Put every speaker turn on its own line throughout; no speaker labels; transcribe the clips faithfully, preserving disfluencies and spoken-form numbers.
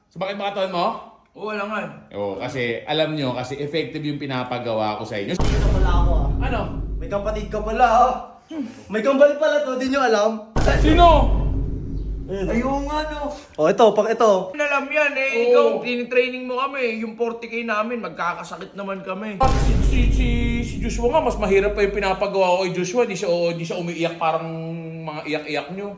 Sumakit ba katawan mo?
Oo, wala nga.
Oo, kasi alam nyo, kasi effective yung pinapagawa ko sa inyo.
Kapatid ka pala ako ah.
Ano?
May kapatid ka pala ah. May kambal pala to, di nyo alam?
Sino?
Ayun nga no. Oh, ito, pag ito.
Alam yan eh,
Oo.
ikaw, tinitraining mo kami. Yung forty K namin, magkakasakit naman kami.
At si, si, si, si Joshua nga, mas mahirap pa yung pinapagawa ko kay Joshua. Di siya, oh, di siya umiiyak parang mga iyak-iyak nyo.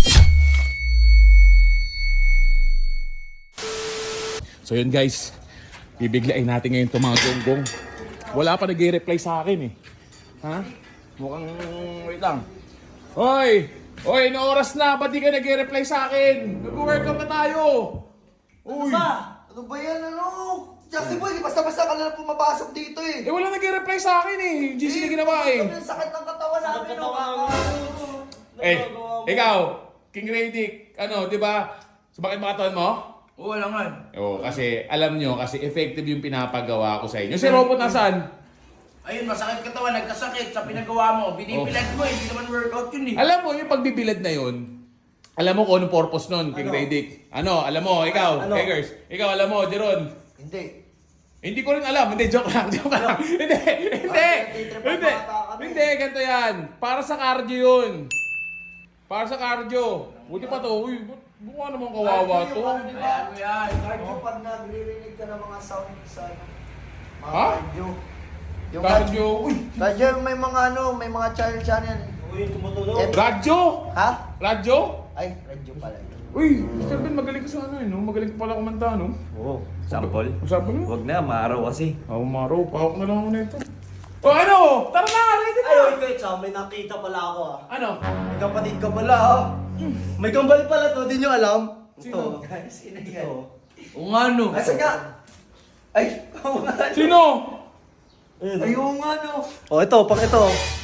So yun guys, bibiglain natin ngayon itong mga gonggong. Wala pa nag-reply sa akin eh. Ha? Mukhang, wait lang. Hoy! Hoy, na oras na, ba't di ka nag-reply sa akin? Nag-workout na tayo! Uy!
Ba? Ano ba yan ano? Jackie boy, basta-basta ka na lang pumapasok dito eh.
Eh wala nag-reply sa akin eh. Yung G C na ginawa eh.
Ang sakit ng katawan namin no.
Eh, ikaw, King Radic, ano, di ba? Sumakit ba katawan mo?
Oo, wala nga.
Oo, kasi alam nyo, kasi effective yung pinapagawa ko sa inyo. Si Robot nasaan?
Ayun, masakit katawan, nagkasakit sa pinagawa mo. Binibilad mo, hindi naman workout yun eh.
Alam mo, yung pagbibilad na yun, alam mo kung anong purpose nun, King
Ano?
Radic. Ano, alam mo, ikaw,
Ano?
Eggers, ikaw alam mo, Jeron.
Hindi.
Hindi ko rin alam, hindi, joke lang, joke lang. Hindi, hindi,
nagtitrip
hindi,
ang bata kami.
hindi, ganito yan. Para sa cardio yun. Para sa cardio. Buti pa to, uy, bu- mukha naman kawawa to.
Cardio, di ba?
Ayan mo yan.
Cardio pag nagririnig ka ng mga sound sa mga
Ha?
cardio. Yung
Cardio, uy,
Cardio may mga ano, may mga child channel.
Uy, tumutulog.
Eh,
radyo,
Ha?
radyo.
Ay, radio pala.
Uy, Mister Ben, magaling ka sa ano eh, no? Magaling ka pala kumanta, no?
Oo, sample.
Usapan mo?
Huwag na, maaraw kasi.
Ako maro, pahok na lang ako nito. O ano? Tara na, ready na!
Ay, wait, wait, Sam, may nakita pala ako ah.
Ano?
May kapatid ka pala ah. May kambal pala to, di nyo alam?
Sino?
Ito. Sino yan?
Oo nga no.
Asa nga? Ay, oo nga.
Sino?
Ayun nga no. Oh, ito, pang ito.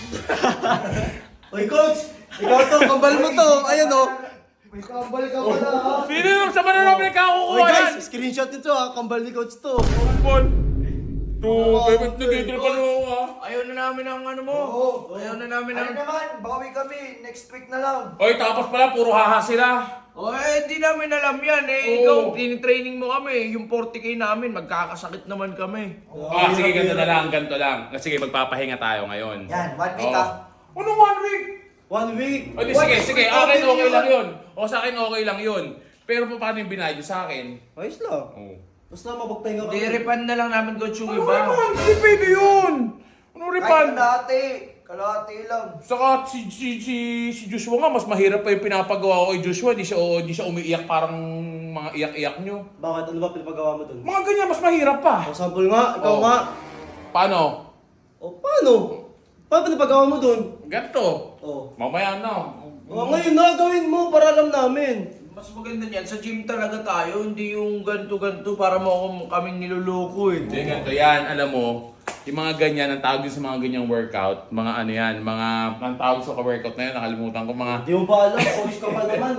Oy, coach! Ikaw to, kambal mo to. Ayan oh. May kambal ka pala ah.
Sino yung sa mananong
Oy
pinagkakukuha yan?
guys, screenshot nito ah. Kambal ni coach to.
Bon. To,
Oo,
bebet na
okay.
dito pa nung ah.
Ayaw na namin ang ano mo.
Oo.
Ayaw na namin
Ano
ang...
naman, bawi kami. Next week na lang.
Oy, tapos pala, puro haha sila.
Oh, eh, di namin alam yan eh.
Oo.
Ikaw, tinitraining mo kami. Yung forty K namin, magkakasakit naman kami.
Ah, sige, ganito na lang, ganito lang. Ah, Sige, magpapahinga tayo ngayon.
Yan, one week
Oo.
ah.
Ano one week?
One week.
O di, sige, sige, akin okay lang yun. O sa akin okay lang yun. Pero pa- paano yung binayad sa akin?
Ayos lang.
Oo.
Basta mapagpahinga ka.
Hindi, refund na lang namin coach yung
Ano
iba.
refund? Hindi pwede yun! Ano
Kahit
refund?
kalahati. Kalahati lang.
Saka si, si, si, si Joshua nga, mas mahirap pa yung pinapagawa ko kay Joshua. Di siya, oh, di siya umiiyak parang mga iyak-iyak nyo.
Bakit? Ano ba pinapagawa mo dun?
Mga ganyan, mas mahirap pa.
O, sample nga. Ikaw
Oo.
nga.
Paano?
O, paano? Paano pinapagawa mo dun?
Ganto.
O.
Mamaya na.
O, ngayon na, gawin mo para alam namin.
Mas maganda niyan, sa gym talaga tayo, hindi yung ganto-ganto para mo ako kaming niloloko eh.
Hindi, ganito yan. Alam mo, yung mga ganyan, ang tawag din sa mga ganyang workout, mga ano yan, mga, ang tawag sa ka-workout na yan, nakalimutan ko, mga,
Di mo ba alam? Coach ka pa naman.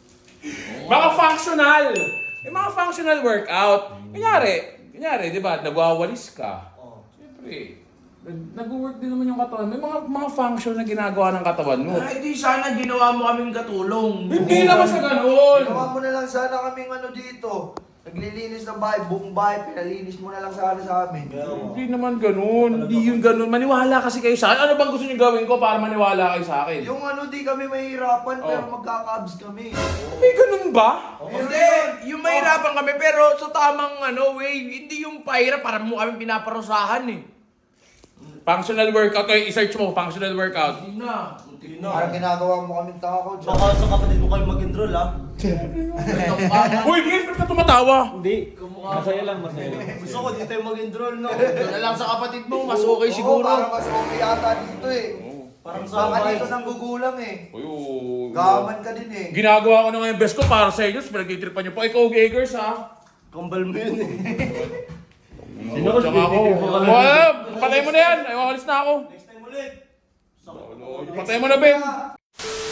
mga functional. Yung mga functional workout. Kunyari, kunyari, di ba, nagwawalis ka.
O.
Siyempre, nag- nag-work din naman yung katawan. May mga mga function na ginagawa ng katawan mo.
Ay, di sana ginawa mo kaming katulong.
Hindi naman sa ganun.
Ginawa mo na lang sana kaming ano dito. Naglilinis ng bahay, buong bahay, pinalinis mo na lang sana sa amin.
Hindi naman ganun. Hindi yun ganun. Maniwala kasi kayo sa akin. Ano bang gusto niyo gawin ko para maniwala kayo sa akin?
Yung ano, di kami mahihirapan,
Oh.
pero magkakabs kami.
May ganun ba?
Hindi, yung mahirapan kami pero sa tamang ano way, hindi yung pahirap para mo kami pinaparusahan eh.
Functional workout. Okay, i-search mo. Functional workout.
Hindi na.
Yun
Parang
na.
ginagawa mo kaming tao dyan.
Baka sa kapatid mo kayo mag-enroll ha?
Uy, Gil, ba't ka tumatawa?
Hindi. Masaya lang, masaya lang. Gusto ko dito tayo mag-enroll no?
Doon na lang sa kapatid mo, mas okay
Oo,
siguro.
parang mas okay yata dito eh.
Parang sa
Baka
bahay.
dito nang gugulang eh.
Uy, uy,
Gaman ka din eh.
Ginagawa ko na nga yung best ko para sa inyo. Pinag-itripan niyo po. Ikaw, Gagers, ha?
Kambal mo yun eh.
Sino ko? Tsaka ako. Wala, patay mo na yan. Ay, alis na ako.
Next time ulit.
Patay mo na, Ben.